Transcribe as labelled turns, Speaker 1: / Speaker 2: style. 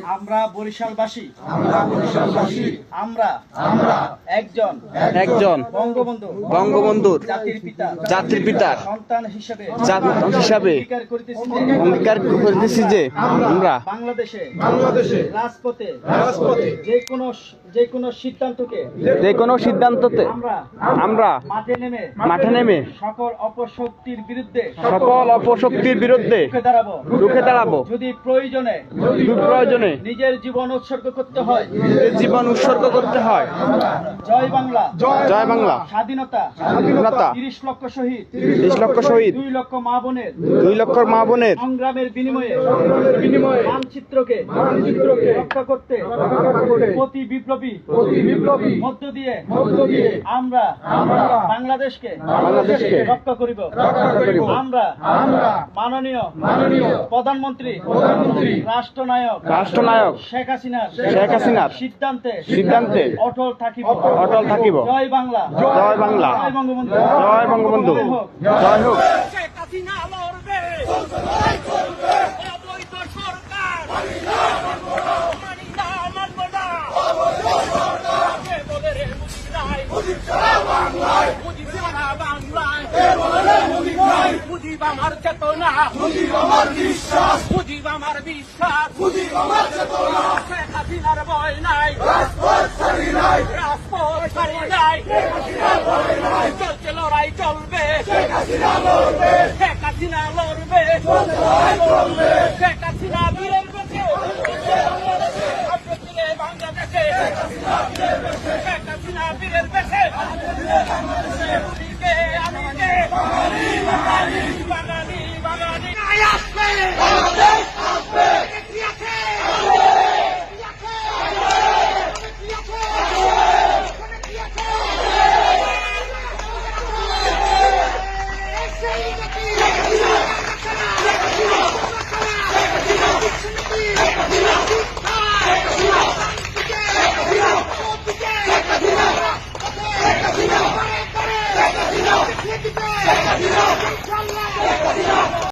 Speaker 1: আমরা বরিশালবাসী আমরা একজন
Speaker 2: বঙ্গবন্ধুর
Speaker 1: জাতির পিতার
Speaker 2: সন্তান
Speaker 1: হিসাবে
Speaker 2: অঙ্গীকার করিতেছি যে আমরা
Speaker 1: বাংলাদেশে রাজপথে যে কোনো সিদ্ধান্তকে
Speaker 2: আমরা মাঠে নেমে
Speaker 1: সকল অপশক্তির বিরুদ্ধে
Speaker 2: রুখে দাঁড়াবো।
Speaker 1: যদি প্রয়োজনে নিজের জীবন উৎসর্গ করতে হয় জয় বাংলা স্বাধীনতা 30 লক্ষ শহীদ 2 লক্ষ মা বোনের সংগ্রামের বিনিময়ে মানচিত্রকে রক্ষা করতে প্রতি বিপ্লবী মধ্য দিয়ে আমরা বাংলাদেশকে রক্ষা করিব। আমরা মাননীয় প্রধানমন্ত্রী রাষ্ট্রনায়ক শেখ হাসিনার সিদ্ধান্তে অটল থাকিব। জয় বাংলা,
Speaker 2: জয়
Speaker 1: বঙ্গবন্ধু,
Speaker 2: জয় বঙ্গবন্ধু, জয় হোক।
Speaker 3: শেখ হাসিনা লড়বে, অবৈধ সরকার মানি না, মানব না। কে বলে রে মুজিব নাই, মুজিব সারা বাংলায়, মুজিব আমার চেতনা, মুজিব আমার বিশ্বাস, শেখ হাসিনার ভয় নাই, রাজপথ ছাড়ি নাই, চলছে লড়াই চলবে, শেখ হাসিনা লড়বে, শেখ হাসিনা